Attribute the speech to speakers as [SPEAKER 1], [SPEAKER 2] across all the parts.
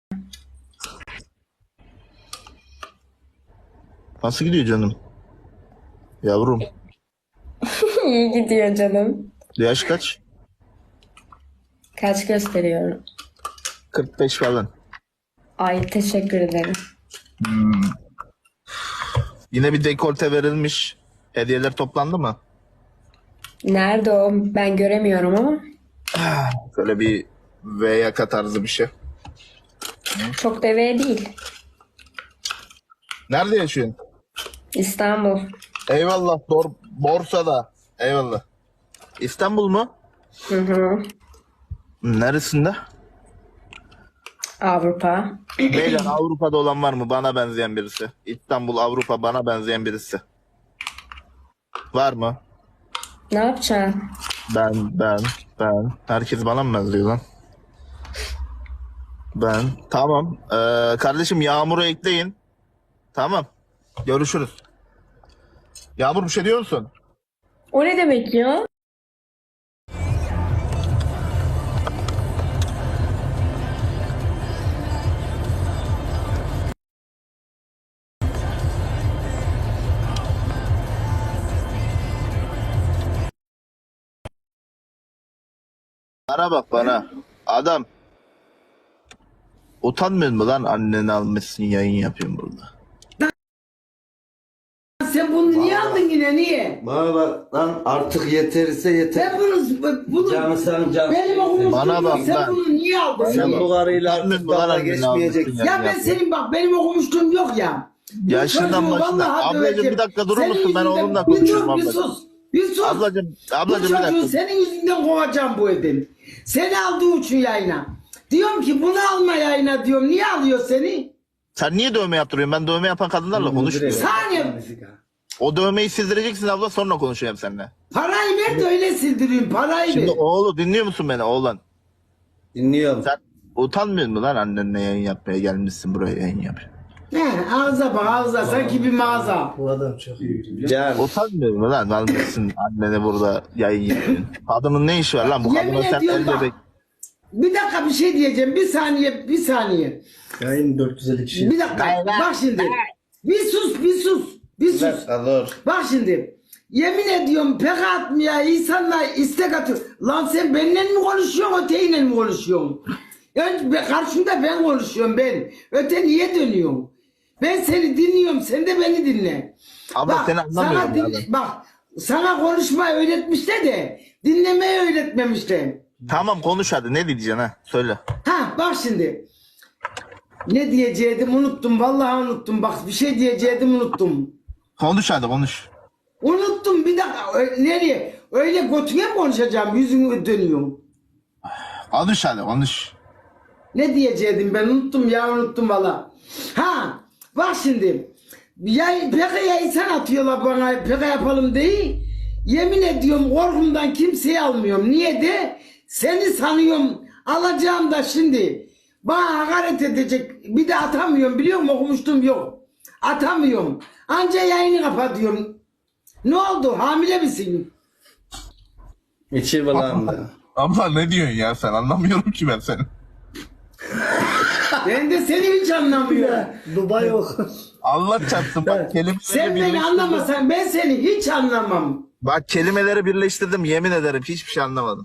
[SPEAKER 1] Nasıl gidiyor canım? Yavrum.
[SPEAKER 2] İyi gidiyor canım.
[SPEAKER 1] Yaş kaç?
[SPEAKER 2] Kaç gösteriyorum?
[SPEAKER 1] 45 falan.
[SPEAKER 2] Ay teşekkür ederim.
[SPEAKER 1] Yine bir dekolte verilmiş. Hediyeler toplandı mı?
[SPEAKER 2] Nerede o? Ben göremiyorum ama.
[SPEAKER 1] Böyle bir V yaka tarzı bir şey.
[SPEAKER 2] Çok deveye değil.
[SPEAKER 1] Nerede yaşıyorsun?
[SPEAKER 2] İstanbul.
[SPEAKER 1] Eyvallah. Borsada. Eyvallah. İstanbul mu?
[SPEAKER 2] Hı hı.
[SPEAKER 1] Neresinde?
[SPEAKER 2] Avrupa.
[SPEAKER 1] Beyler Avrupa'da olan var mı? Bana benzeyen birisi. İstanbul, Avrupa bana benzeyen birisi. Var mı?
[SPEAKER 2] Ne yapacaksın?
[SPEAKER 1] Ben. Herkes bana mı benziyor lan? Ben. Tamam. Kardeşim Yağmur'u ekleyin. Tamam. Görüşürüz. Yağmur bir şey diyor musun?
[SPEAKER 2] O ne demek ya?
[SPEAKER 1] Bana bak bana. Adam. Utanmıyor mu lan anneni almışsın yayın yapıyorsun burada.
[SPEAKER 3] Sen bunu niye aldın yine niye?
[SPEAKER 4] Bana bak lan artık yeterse yeter.
[SPEAKER 3] Sen bunu
[SPEAKER 4] Canı sen can.
[SPEAKER 3] benim okumuştum
[SPEAKER 1] Bana
[SPEAKER 3] yok.
[SPEAKER 1] bak
[SPEAKER 3] Sen
[SPEAKER 1] lan.
[SPEAKER 3] bunu niye aldın?
[SPEAKER 4] Sen
[SPEAKER 3] Niye?
[SPEAKER 4] bu karıyla
[SPEAKER 1] Utanmıyor
[SPEAKER 4] artık
[SPEAKER 1] mu lan
[SPEAKER 4] dalga
[SPEAKER 1] anneni
[SPEAKER 4] geçmeyeceksin.
[SPEAKER 1] almışsın
[SPEAKER 3] Ya ben senin bak benim okumuştum yok ya. Bu
[SPEAKER 1] Yaşından
[SPEAKER 3] çocuğu
[SPEAKER 1] başına.
[SPEAKER 3] vallahi
[SPEAKER 1] Ablacığım
[SPEAKER 3] döveceğim.
[SPEAKER 1] bir dakika durur
[SPEAKER 3] Senin
[SPEAKER 1] musun? Ben
[SPEAKER 3] yüzünden-
[SPEAKER 1] oğlumla
[SPEAKER 3] Bir
[SPEAKER 1] konuşurum
[SPEAKER 3] dur, bir
[SPEAKER 1] ablacığım.
[SPEAKER 3] sus. Bir sus.
[SPEAKER 1] Ablacığım
[SPEAKER 3] Bu
[SPEAKER 1] bir
[SPEAKER 3] çocuğu
[SPEAKER 1] dakika.
[SPEAKER 3] senin yüzünden kovacağım bu evden. Seni aldığı için yayına. Diyorum ki bunu alma yayına diyorum. Niye alıyor seni?
[SPEAKER 1] Sen niye dövme yaptırıyorsun? Ben dövme yapan kadınlarla konuşmuyorum.
[SPEAKER 3] Saniye.
[SPEAKER 1] O dövmeyi sildireceksin abla sonra konuşacağım seninle.
[SPEAKER 3] Parayı ver de öyle sildireyim. Parayı
[SPEAKER 1] Şimdi
[SPEAKER 3] ver.
[SPEAKER 1] oğlu dinliyor musun beni oğlan?
[SPEAKER 4] Dinliyorum.
[SPEAKER 1] Sen utanmıyor musun lan annenle yayın yapmaya gelmişsin buraya yayın yapıyor.
[SPEAKER 3] He, ağza bak ağza. Sanki bir mağaza.
[SPEAKER 5] Bu adam çok iyi biliyor.
[SPEAKER 4] Can.
[SPEAKER 1] Utanmıyor musun lan? Almışsın annene burada yayın yapıyorsun. Kadının ne işi var lan? Bu
[SPEAKER 3] Yemin
[SPEAKER 1] kadına sen
[SPEAKER 3] ediyorum
[SPEAKER 1] el
[SPEAKER 3] bak.
[SPEAKER 1] bebek.
[SPEAKER 3] Bir dakika bir şey diyeceğim. Bir saniye.
[SPEAKER 5] Yayın 450 kişi.
[SPEAKER 3] Bir dakika. Bak şimdi. Bir sus.
[SPEAKER 4] Bir dakika dur.
[SPEAKER 3] Bak şimdi. Yemin ediyorum pek atmaya insanlar istek atıyor. Lan sen benimle mi konuşuyorsun öteyle mi konuşuyorsun? Karşımda ben konuşuyorum ben. Öte niye dönüyorsun? Ben seni dinliyorum. Sen de beni dinle.
[SPEAKER 1] Abla seni anlamıyorum
[SPEAKER 3] sana
[SPEAKER 1] ya ben.
[SPEAKER 3] bak sana konuşmayı öğretmişler de dinlemeyi öğretmemişler.
[SPEAKER 1] Tamam konuş hadi ne diyeceksin ha? Söyle.
[SPEAKER 3] Ha bak şimdi. Ne diyecektim unuttum. Vallahi unuttum. Bak bir şey diyecektim unuttum.
[SPEAKER 1] Konuş hadi konuş.
[SPEAKER 3] Unuttum bir dakika. Nereye? Öyle götüne mi konuşacağım? Yüzünü dönüyorum.
[SPEAKER 1] Konuş hadi konuş.
[SPEAKER 3] Ne diyecektim ben unuttum ya unuttum valla. Ha bak şimdi. PKK'ya insan atıyorlar bana PKK yapalım diye. Yemin ediyorum korkumdan kimseyi almıyorum. Niye de? Seni sanıyorum alacağım da şimdi. Bana hakaret edecek. Bir de atamıyorum biliyor musun? Okumuştum yok. Atamıyorum. Anca yayını kapatıyorum. Ne oldu? Hamile misin?
[SPEAKER 4] İçi bulandı.
[SPEAKER 1] Abla ne diyorsun ya sen? Anlamıyorum ki ben seni.
[SPEAKER 3] Ben de seni hiç anlamıyorum.
[SPEAKER 5] Dubai yok.
[SPEAKER 1] Allah çarpsın bak kelimeleri
[SPEAKER 3] Sen beni
[SPEAKER 1] birleştirdim.
[SPEAKER 3] anlamasan ben seni hiç anlamam.
[SPEAKER 1] Bak kelimeleri birleştirdim yemin ederim hiçbir şey anlamadım.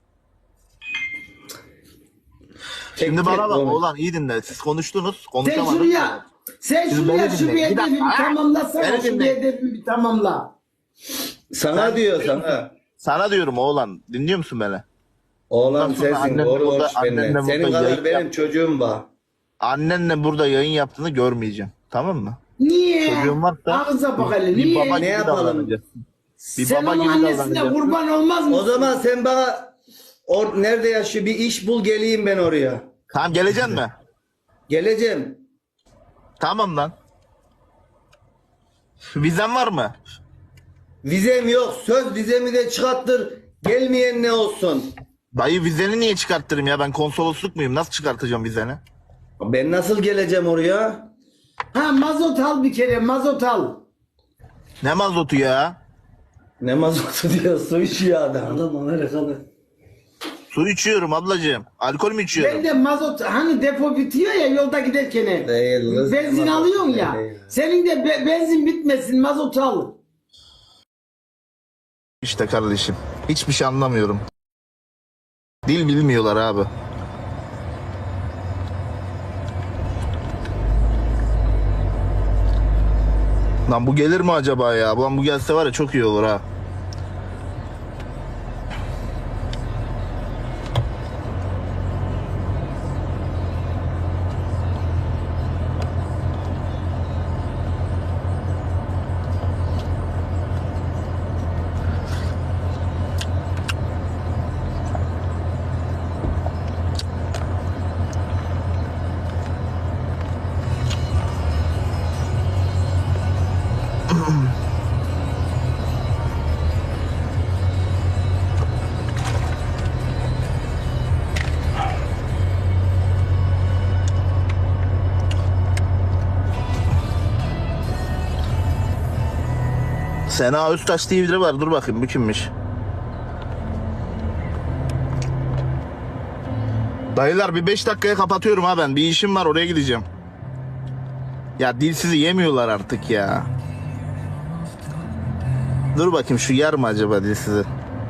[SPEAKER 1] Şimdi
[SPEAKER 4] Tek
[SPEAKER 1] bana
[SPEAKER 4] tek
[SPEAKER 1] bak
[SPEAKER 4] konuş.
[SPEAKER 1] oğlan iyi dinle. Siz konuştunuz
[SPEAKER 3] Sen
[SPEAKER 1] konuşamadınız.
[SPEAKER 3] şuraya, sen
[SPEAKER 1] Şimdi
[SPEAKER 3] şuraya
[SPEAKER 1] beni
[SPEAKER 3] şu
[SPEAKER 1] dinle.
[SPEAKER 3] bir
[SPEAKER 1] Bir
[SPEAKER 3] hedefi
[SPEAKER 1] dakika.
[SPEAKER 3] bir tamamlasana.
[SPEAKER 1] Beni
[SPEAKER 3] Şu bir
[SPEAKER 1] dinle.
[SPEAKER 3] hedefi bir tamamla.
[SPEAKER 4] Sana diyor sana.
[SPEAKER 1] Sana diyorum oğlan dinliyor musun beni?
[SPEAKER 4] Oğlan
[SPEAKER 1] Ondan sonra
[SPEAKER 4] sensin.
[SPEAKER 1] annenle
[SPEAKER 4] Doğru
[SPEAKER 1] burada-
[SPEAKER 4] konuş benimle.
[SPEAKER 1] annenle
[SPEAKER 4] Senin
[SPEAKER 1] burada
[SPEAKER 4] kadar
[SPEAKER 1] yayın
[SPEAKER 4] benim
[SPEAKER 1] yap.
[SPEAKER 4] çocuğum var.
[SPEAKER 1] Annenle burada yayın yaptığını görmeyeceğim. Tamam mı?
[SPEAKER 3] Niye?
[SPEAKER 1] Çocuğun varsa
[SPEAKER 3] Ağza bak hele.
[SPEAKER 1] bir
[SPEAKER 3] Niye?
[SPEAKER 1] baba
[SPEAKER 4] Ne
[SPEAKER 1] gibi
[SPEAKER 4] yapalım?
[SPEAKER 1] davranacaksın. Bir
[SPEAKER 3] Sen
[SPEAKER 1] baba
[SPEAKER 3] onun
[SPEAKER 1] gibi
[SPEAKER 3] annesine
[SPEAKER 1] davranacaksın.
[SPEAKER 3] kurban olmaz mısın?
[SPEAKER 4] O zaman sen bana nerede yaşıyor bir iş bul geleyim ben oraya.
[SPEAKER 1] Tamam geleceksin mi?
[SPEAKER 4] Geleceğim.
[SPEAKER 1] Tamam lan. Vizen var mı?
[SPEAKER 4] Vizem yok. Söz vizemi de çıkarttır. Gelmeyen ne olsun?
[SPEAKER 1] Dayı vizeni niye çıkarttırayım ya? Ben konsolosluk muyum? Nasıl çıkartacağım vizeni?
[SPEAKER 4] Ben nasıl geleceğim oraya?
[SPEAKER 3] Ha mazot al bir kere mazot al.
[SPEAKER 1] Ne mazotu ya?
[SPEAKER 4] Ne mazotu diyor su içiyor adam.
[SPEAKER 5] Adam Amerikalı.
[SPEAKER 1] Su içiyorum ablacığım. Alkol mü içiyorum?
[SPEAKER 3] Ben de mazot hani depo bitiyor ya yolda giderken.
[SPEAKER 4] Değil, kız.
[SPEAKER 3] Benzin alıyorsun ya.
[SPEAKER 4] Değil.
[SPEAKER 3] Senin de benzin bitmesin mazot al.
[SPEAKER 1] İşte kardeşim. Hiçbir şey anlamıyorum. Dil bilmiyorlar abi. Lan bu gelir mi acaba ya? Lan bu gelse var ya çok iyi olur ha. Sena Öztaş diye biri var. Dur bakayım bu kimmiş? Dayılar bir 5 dakikaya kapatıyorum ha ben. Bir işim var oraya gideceğim. Ya dilsizi yemiyorlar artık ya. Dur bakayım şu yer mi acaba dilsizi?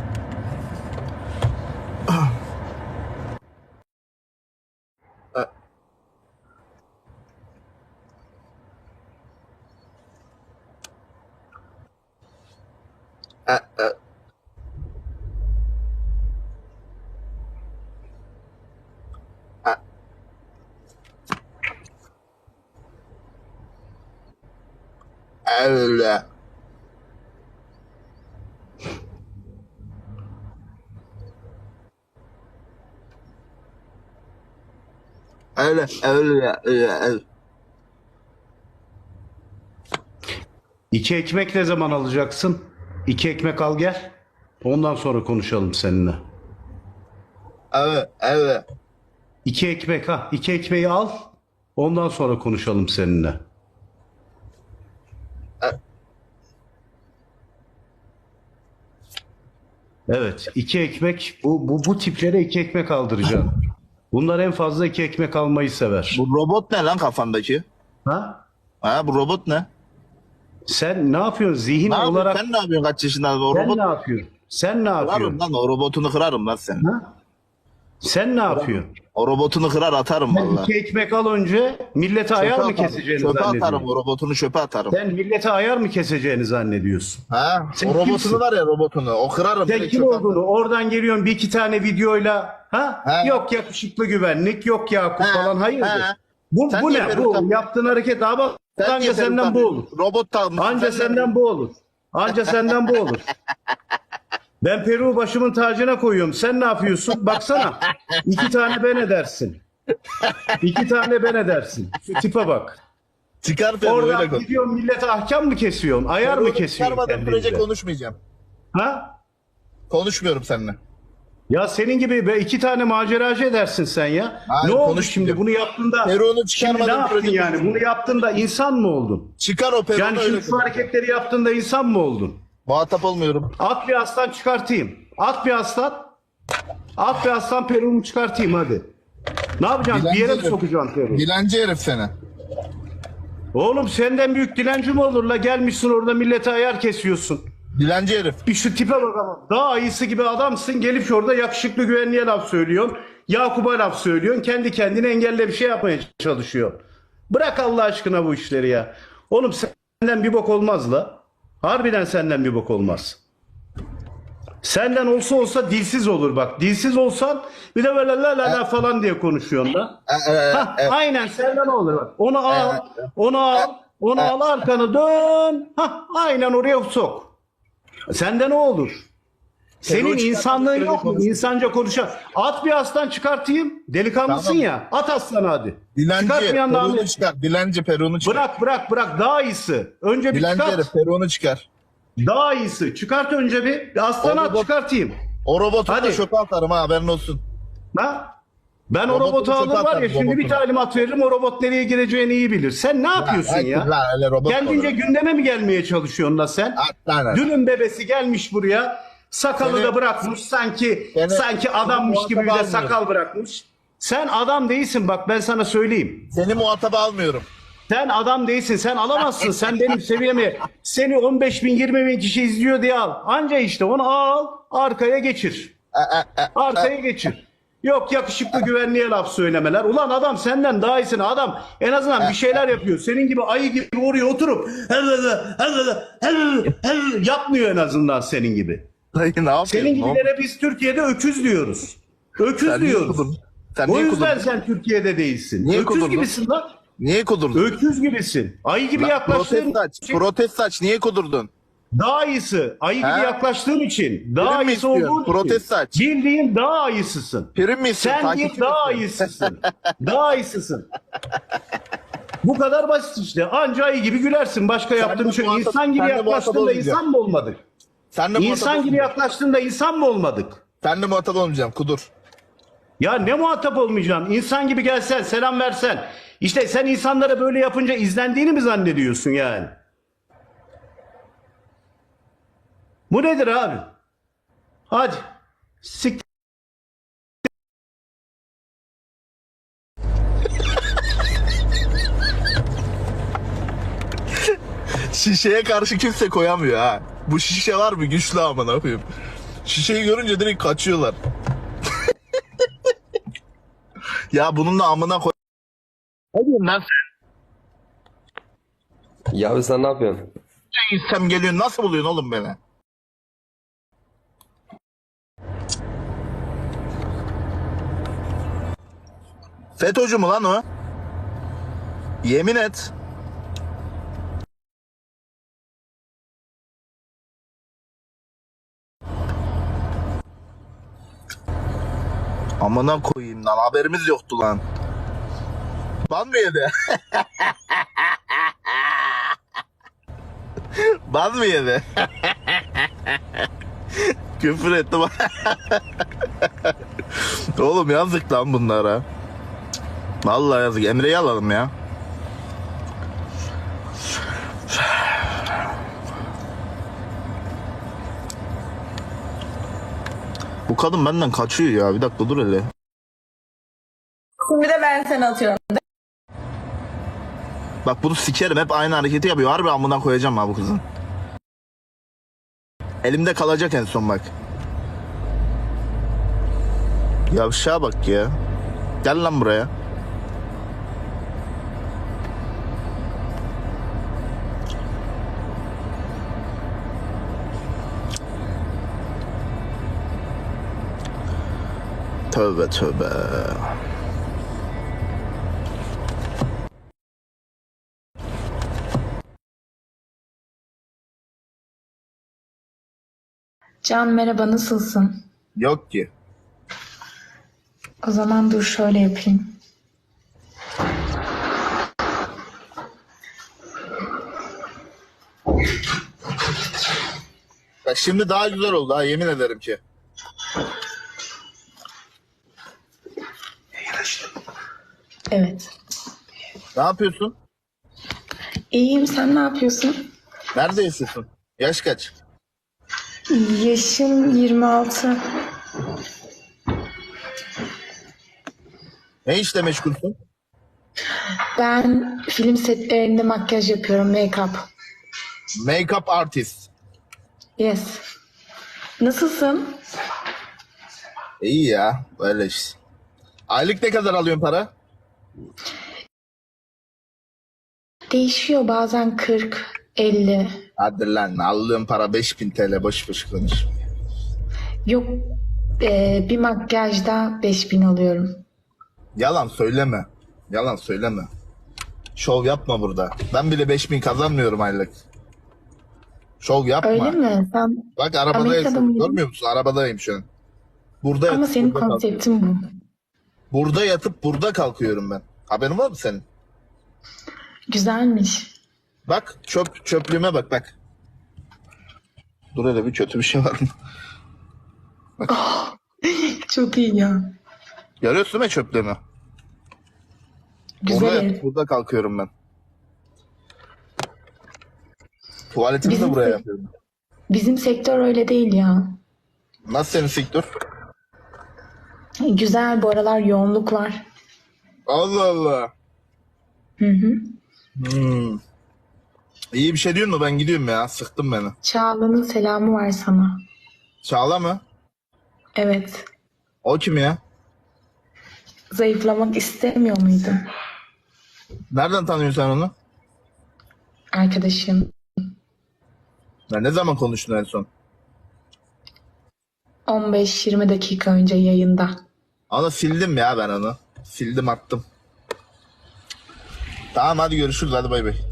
[SPEAKER 1] Öyle. Öyle.
[SPEAKER 6] 2 ekmek ne zaman alacaksın? 2 ekmek al gel. Ondan sonra konuşalım seninle.
[SPEAKER 1] Evet.
[SPEAKER 6] 2 ekmek ha. 2 ekmeği al. Ondan sonra konuşalım seninle. Evet. 2 ekmek. Bu tiplere 2 ekmek aldıracağım. Bunlar en fazla 2 ekmek almayı sever.
[SPEAKER 1] Bu robot ne lan kafandaki?
[SPEAKER 6] Ha?
[SPEAKER 1] Ha bu robot ne?
[SPEAKER 6] Sen ne yapıyorsun? Zihin
[SPEAKER 1] Ne yapıyorsun?
[SPEAKER 6] olarak
[SPEAKER 1] Sen ne yapıyorsun kaç yaşında? O
[SPEAKER 6] sen
[SPEAKER 1] robot
[SPEAKER 6] ne yapıyorsun? Sen ne yapıyorsun?
[SPEAKER 1] kırarım lan o robotunu kırarım lan sen.
[SPEAKER 6] Ha? Sen ne yapıyorsun?
[SPEAKER 1] O robotunu kırar atarım
[SPEAKER 6] Sen
[SPEAKER 1] valla.
[SPEAKER 6] 2 ekmek al önce millete ayar mı keseceğini
[SPEAKER 1] Çöpe atarım
[SPEAKER 6] zannediyorsun?
[SPEAKER 1] o robotunu çöpe atarım.
[SPEAKER 6] Sen millete ayar mı keseceğini zannediyorsun?
[SPEAKER 1] Ha?
[SPEAKER 6] Sen
[SPEAKER 1] O robotunu
[SPEAKER 6] kimsin?
[SPEAKER 1] var ya robotunu. O kırarım.
[SPEAKER 6] Sen
[SPEAKER 1] direkt
[SPEAKER 6] kim
[SPEAKER 1] çöpe
[SPEAKER 6] olduğunu
[SPEAKER 1] atarım.
[SPEAKER 6] oradan geliyorsun bir iki tane videoyla ha?
[SPEAKER 1] He.
[SPEAKER 6] Yok yakışıklı güvenlik, yok Yakup
[SPEAKER 1] He,
[SPEAKER 6] falan hayırdır?
[SPEAKER 1] he.
[SPEAKER 6] Bu
[SPEAKER 1] Sen
[SPEAKER 6] bu
[SPEAKER 1] niye
[SPEAKER 6] ne?
[SPEAKER 1] peruk
[SPEAKER 6] Bu
[SPEAKER 1] takıyorsun?
[SPEAKER 6] yaptığın hareket daha bak
[SPEAKER 1] Sen niye
[SPEAKER 6] anca
[SPEAKER 1] peruk
[SPEAKER 6] senden bu
[SPEAKER 1] takıyorsun?
[SPEAKER 6] olur.
[SPEAKER 1] Robot takmışsın.
[SPEAKER 6] Anca
[SPEAKER 1] Sen
[SPEAKER 6] senden bu olur. Anca senden bu olur. Ben peruğu başımın tacına koyuyorum. Sen ne yapıyorsun? Baksana. 2 tane ben edersin. 2 tane ben edersin. Şu tipe bak.
[SPEAKER 1] Çıkar peruğu öyle
[SPEAKER 6] Oradan
[SPEAKER 1] konuş.
[SPEAKER 6] gidiyorsun millete ahkam mı kesiyorsun? Ayar mı
[SPEAKER 1] Peruğunu
[SPEAKER 6] kesiyorsun
[SPEAKER 1] çıkarmadığın sürece
[SPEAKER 6] kendince?
[SPEAKER 1] konuşmayacağım.
[SPEAKER 6] Ha?
[SPEAKER 1] Konuşmuyorum seninle.
[SPEAKER 6] Ya senin gibi be 2 tane maceracı edersin sen ya.
[SPEAKER 1] Hayır,
[SPEAKER 6] ne oldu
[SPEAKER 1] konuşmayacağım.
[SPEAKER 6] şimdi bunu yaptığında?
[SPEAKER 1] Peruğunu
[SPEAKER 6] Şimdi ne
[SPEAKER 1] çıkarmadığın
[SPEAKER 6] yaptın
[SPEAKER 1] sürece
[SPEAKER 6] yani? Bunu yaptığında insan mı oldun?
[SPEAKER 1] Çıkar o peruğunu
[SPEAKER 6] Yani
[SPEAKER 1] öyle
[SPEAKER 6] şimdi şu
[SPEAKER 1] konuş.
[SPEAKER 6] hareketleri yaptığında insan mı oldun?
[SPEAKER 1] Muhatap olmuyorum.
[SPEAKER 6] At bir aslan çıkartayım. At bir aslan. At bir aslan peruğumu çıkartayım hadi. Ne yapacaksın? Bir yere mi
[SPEAKER 1] herif.
[SPEAKER 6] sokacaksın peruğu?
[SPEAKER 1] Dilenci herif seni.
[SPEAKER 6] Oğlum senden büyük dilenci mi olur la? Gelmişsin orada millete ayar kesiyorsun.
[SPEAKER 1] Dilenci herif.
[SPEAKER 6] Bir şu tipe bak ama. Daha iyisi gibi adamsın. Gelip orada yakışıklı güvenliğe laf söylüyorsun. Yakup'a laf söylüyorsun. Kendi kendine engelle bir şey yapmaya çalışıyorsun. Bırak Allah aşkına bu işleri ya. Oğlum senden bir bok olmaz la. Harbiden senden bir bok olmaz. Senden olsa dilsiz olur bak. Dilsiz olsan bir de böyle la la la falan diye konuşuyorsun da. Hah, aynen senden olur bak. Onu al, onu al arkanı dön. Hah, aynen oraya sok. Sende ne olur? Senin
[SPEAKER 1] Peruğu
[SPEAKER 6] insanlığın
[SPEAKER 1] çıkartıp
[SPEAKER 6] yok mu?
[SPEAKER 1] konuş.
[SPEAKER 6] İnsanca konuşan. At bir aslan çıkartayım. Delikanlısın
[SPEAKER 1] Tamam.
[SPEAKER 6] ya. At aslanı hadi.
[SPEAKER 1] Dilenci
[SPEAKER 6] Çıkartmayan da
[SPEAKER 1] peruğunu
[SPEAKER 6] Ahmet.
[SPEAKER 1] çıkar. Dilenci peruğunu çıkar.
[SPEAKER 6] Bırak. Daha iyisi. Önce bir
[SPEAKER 1] Dilenci
[SPEAKER 6] çıkart.
[SPEAKER 1] herif peruğunu çıkar.
[SPEAKER 6] Daha iyisi. Çıkart önce bir. Aslanı
[SPEAKER 1] O
[SPEAKER 6] at
[SPEAKER 1] robot-
[SPEAKER 6] çıkartayım.
[SPEAKER 1] O robotu da
[SPEAKER 6] Hadi.
[SPEAKER 1] çöpe atarım ha haberin olsun.
[SPEAKER 6] Ha? Ben o
[SPEAKER 1] Robotunu
[SPEAKER 6] robotu alır
[SPEAKER 1] çöpe
[SPEAKER 6] var ya
[SPEAKER 1] atarım,
[SPEAKER 6] şimdi bir
[SPEAKER 1] robotunu.
[SPEAKER 6] talimat veririm o robot nereye gireceğini iyi bilir. Sen ne yapıyorsun
[SPEAKER 1] Ay,
[SPEAKER 6] ya?
[SPEAKER 1] lan, öyle robot
[SPEAKER 6] Kendince
[SPEAKER 1] olur.
[SPEAKER 6] gündeme mi gelmeye çalışıyorsun la sen?
[SPEAKER 1] At lan.
[SPEAKER 6] Dünün bebesi gelmiş buraya. Sakalı
[SPEAKER 1] Seni-
[SPEAKER 6] da bırakmış sanki
[SPEAKER 1] Seni
[SPEAKER 6] adammış gibi bir de
[SPEAKER 1] muhatap
[SPEAKER 6] sakal bırakmış. Sen adam değilsin bak ben sana söyleyeyim.
[SPEAKER 1] Seni muhataba almıyorum.
[SPEAKER 6] Sen adam değilsin. Sen alamazsın. Sen benim seviyemi. Seni 15 bin 20 bin kişi izliyor diye al. Anca işte onu al. Arkaya geçir. Arkaya geçir. Yok yakışıklı güvenliğe laf söylemeler. Ulan adam senden daha iyisin. Adam en azından bir şeyler yapıyor. Senin gibi ayı gibi oraya oturup yapmıyor en azından senin gibi.
[SPEAKER 1] Dayı ne yapıyorsun?
[SPEAKER 6] Senin gibilere biz Türkiye'de öküz diyoruz. Öküz
[SPEAKER 1] Sen niye
[SPEAKER 6] diyoruz.
[SPEAKER 1] kudurdun? Sen
[SPEAKER 6] O
[SPEAKER 1] niye
[SPEAKER 6] yüzden
[SPEAKER 1] kudurdun?
[SPEAKER 6] sen Türkiye'de değilsin.
[SPEAKER 1] Niye
[SPEAKER 6] Öküz
[SPEAKER 1] kudurdun?
[SPEAKER 6] gibisin lan.
[SPEAKER 1] Niye kudurdun?
[SPEAKER 6] Öküz gibisin. Ayı gibi yaklaştığın için
[SPEAKER 1] Protest saç niye kudurdun?
[SPEAKER 6] daha iyisi. Ayı gibi
[SPEAKER 1] He?
[SPEAKER 6] yaklaştığın için. Daha
[SPEAKER 1] Prim mi
[SPEAKER 6] iyisi
[SPEAKER 1] istiyorsun?
[SPEAKER 6] olduğun
[SPEAKER 1] Protest
[SPEAKER 6] için.
[SPEAKER 1] saç.
[SPEAKER 6] Bildiğin daha iyisisin.
[SPEAKER 1] Prim mi istiyorsun?
[SPEAKER 6] Sen değil
[SPEAKER 1] Takipçi
[SPEAKER 6] daha
[SPEAKER 1] mi istiyorsun?
[SPEAKER 6] iyisisin. Daha iyisisin. Bu kadar basit işte. Anca ayı gibi gülersin. Başka yaptığın
[SPEAKER 1] de
[SPEAKER 6] şey.
[SPEAKER 1] muhatap-
[SPEAKER 6] İnsan gibi
[SPEAKER 1] sen de muhatap
[SPEAKER 6] yaklaştığında
[SPEAKER 1] olmayacaksın.
[SPEAKER 6] insan mı olmadık?
[SPEAKER 1] Sen de muhatap
[SPEAKER 6] İnsan gibi
[SPEAKER 1] olmayacaksın.
[SPEAKER 6] yaklaştığında insan mı olmadık?
[SPEAKER 1] Sen de muhatap olmayacağım. Kudur.
[SPEAKER 6] Ya ne muhatap olmayacaksın? İnsan gibi gelsen, selam versen. İşte sen insanlara böyle yapınca izlendiğini mi zannediyorsun yani? Bu nedir abi? Hadi. Sik.
[SPEAKER 1] Şişeye karşı kimse koyamıyor ha. Bu şişe var mı güçlü amına koyayım. Şişeyi görünce direkt kaçıyorlar. Ya bununla amına koy. Ne diyorsun lan
[SPEAKER 7] Ya abi sen ne yapıyorsun?
[SPEAKER 1] sen geliyorsun nasıl buluyorsun oğlum beni? FETÖ'cü mü lan o? Yemin et. Amına koyayım lan haberimiz yoktu lan. Ban mı yedi? Ban mı yedi? Küfür etti bana. Oğlum yazık lan bunlara. Vallahi yazık. Emre'yi alalım ya. Bu kadın benden kaçıyor ya. Bir dakika dur hele.
[SPEAKER 8] Bir de ben seni atıyorum.
[SPEAKER 1] Bak bunu sikerim. Hep aynı hareketi yapıyor. Harbi amına koyacağım ha bu kızın. Elimde kalacak en son bak. Yavşağa bak ya. Gel lan buraya. Tövbe tövbe.
[SPEAKER 8] Can merhaba, nasılsın?
[SPEAKER 1] Yok ki.
[SPEAKER 8] O zaman dur şöyle yapayım.
[SPEAKER 1] Ya şimdi daha güzel oldu ha yemin ederim ki.
[SPEAKER 8] Evet.
[SPEAKER 1] Ne yapıyorsun?
[SPEAKER 8] İyiyim, sen ne yapıyorsun?
[SPEAKER 1] Nerede yaşıyorsun? Yaş kaç?
[SPEAKER 8] Yaşım 26.
[SPEAKER 1] Ne işle meşgulsün?
[SPEAKER 8] Ben film setlerinde makyaj yapıyorum, make-up.
[SPEAKER 1] Make-up artist.
[SPEAKER 8] Yes. Nasılsın?
[SPEAKER 1] İyi ya öyle işte. Aylık ne kadar alıyorsun para?
[SPEAKER 8] Değişiyor, bazen 40, 50.
[SPEAKER 1] Hadi lan alıyorum para 5000 TL boş boş konuş.
[SPEAKER 8] Yok, bir makyajda 5000 alıyorum.
[SPEAKER 1] Yalan söyleme. Yalan söyleme. Şov yapma burada. Ben bile 5000 kazanmıyorum aylık. Şov yapma.
[SPEAKER 8] Öyle mi? Sen...
[SPEAKER 1] Bak arabadayım.
[SPEAKER 8] Amerika'da mıydın?
[SPEAKER 1] Görmüyor musun? Arabadayım şu an. Burada
[SPEAKER 8] Ama
[SPEAKER 1] yatıp
[SPEAKER 8] senin
[SPEAKER 1] burada
[SPEAKER 8] konseptin bu.
[SPEAKER 1] kalkıyorum. Burada yatıp burada kalkıyorum ben. Haberin var mı senin?
[SPEAKER 8] Güzelmiş.
[SPEAKER 1] Bak çöplüğüme bak. Dur hele bir kötü bir şey var mı?
[SPEAKER 8] Çok iyi ya.
[SPEAKER 1] Görüyorsun mu çöplüğümü?
[SPEAKER 8] Güzel
[SPEAKER 1] Burada
[SPEAKER 8] ev.
[SPEAKER 1] yatıp burada kalkıyorum ben. Tuvaletimi de
[SPEAKER 8] Bizim
[SPEAKER 1] buraya
[SPEAKER 8] de-
[SPEAKER 1] yapıyorum.
[SPEAKER 8] Bizim sektör öyle değil ya.
[SPEAKER 1] Nasıl senin sektör?
[SPEAKER 8] Güzel, bu aralar yoğunluk var.
[SPEAKER 1] Allah Allah.
[SPEAKER 8] Hı hı.
[SPEAKER 1] İyi bir şey diyorsun mu? Ben gidiyorum ya. Sıktın beni.
[SPEAKER 8] Çağla'nın selamı var sana.
[SPEAKER 1] Çağla mı?
[SPEAKER 8] Evet.
[SPEAKER 1] O kim ya?
[SPEAKER 8] Zayıflamak istemiyor muydun?
[SPEAKER 1] Nereden tanıyorsun sen onu?
[SPEAKER 8] Arkadaşım.
[SPEAKER 1] Ya ne zaman konuştun en son?
[SPEAKER 8] 15-20 dakika önce yayında.
[SPEAKER 1] Onu sildim ya ben onu. Sildim attım. Tamam hadi görüşürüz. Hadi bay bay.